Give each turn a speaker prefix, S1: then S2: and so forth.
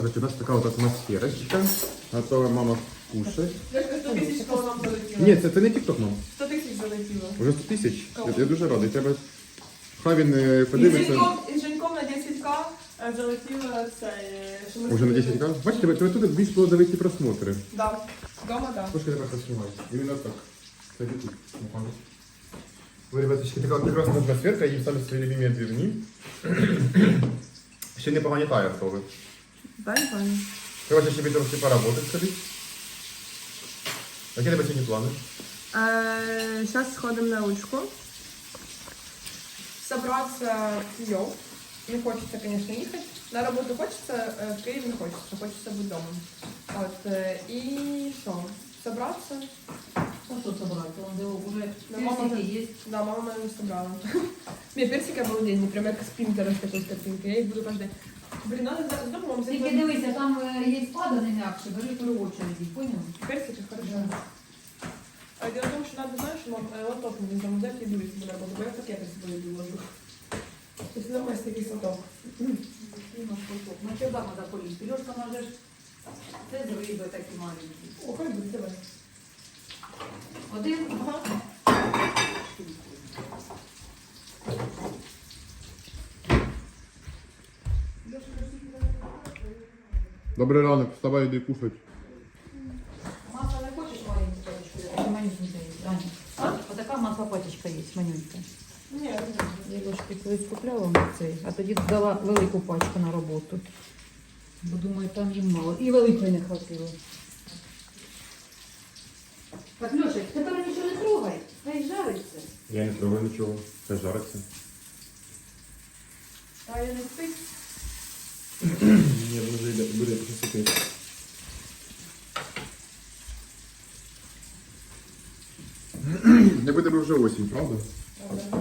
S1: Короче, у нас такая вот атмосферочка. Готова мама кушать.
S2: 100 тисяч коло нам залетіло.
S1: Ні, це не тік-ток, мам.
S2: 100 тисяч залетіло.
S1: Уже 100 тисяч.
S2: Кого?
S1: Я дуже радий. Треба... Хай він
S2: І
S1: подивиться.
S2: з Женьком на 10к залетіло це... що ми
S1: Уже на
S2: зробили.
S1: 10 к. Бачите, тебе тут більш було давити просмотри.
S2: Да. Дома, да.
S1: Трошки тепер поснімай. Іменно так. Це тут. Ви, ребяточки, така прекрасна атмосферка, їм самі свої любимі двірні. Ще не погонітає автоби.
S2: Пані.
S1: Треба ще трохи поработати, скажіть. Які тебе сьогодні плани?
S2: Сейчас сходим на ручку. Собраться йоу. Не хочется, конечно, ехать. На работу хочется, в Киев не хочется. Хочется быть дома. Вот. И что? Собраться.
S3: Ну что собрать? Он уже
S2: Да, мама
S3: персики есть.
S2: Да, мама моя не собрала. Мне персик обалденный, прям как с Пинтереста с такой картинкой. Я их буду каждый... Блин, надо за домом
S3: Тільки
S2: взять.
S3: дивися, там є спада не м'якше, бери при очереді, поняв?
S2: Персики хорошо. А дело в том, что надо, знаешь, лоток не там взять и дурить на работу. Бо я пакеты с собой ложу. То есть домой такий лоток.
S3: На чердак треба полізти. Льошка можеш, це з риби такі маленькі.
S2: О, хай буде, давай.
S3: Один,
S2: Ага.
S1: Добрий ранок, вставай, йди кушать.
S3: масло не хочеш маленьку пачечку? Манюнька є, Аня.
S2: А?
S3: Отака масло пачечка є, манюнька.
S2: Ні,
S3: Я Льошки колись купляла цей, а тоді дала велику пачку на роботу. Бо думаю, там їм мало. І великої не хватило. Так, Льошик, тепер нічого не трогай, хай жариться.
S1: Я не трогаю нічого, це жариться.
S2: а я не спить.
S1: Ні, вже йде, буде посипити. Не буде вже осінь, правда?
S2: Правда.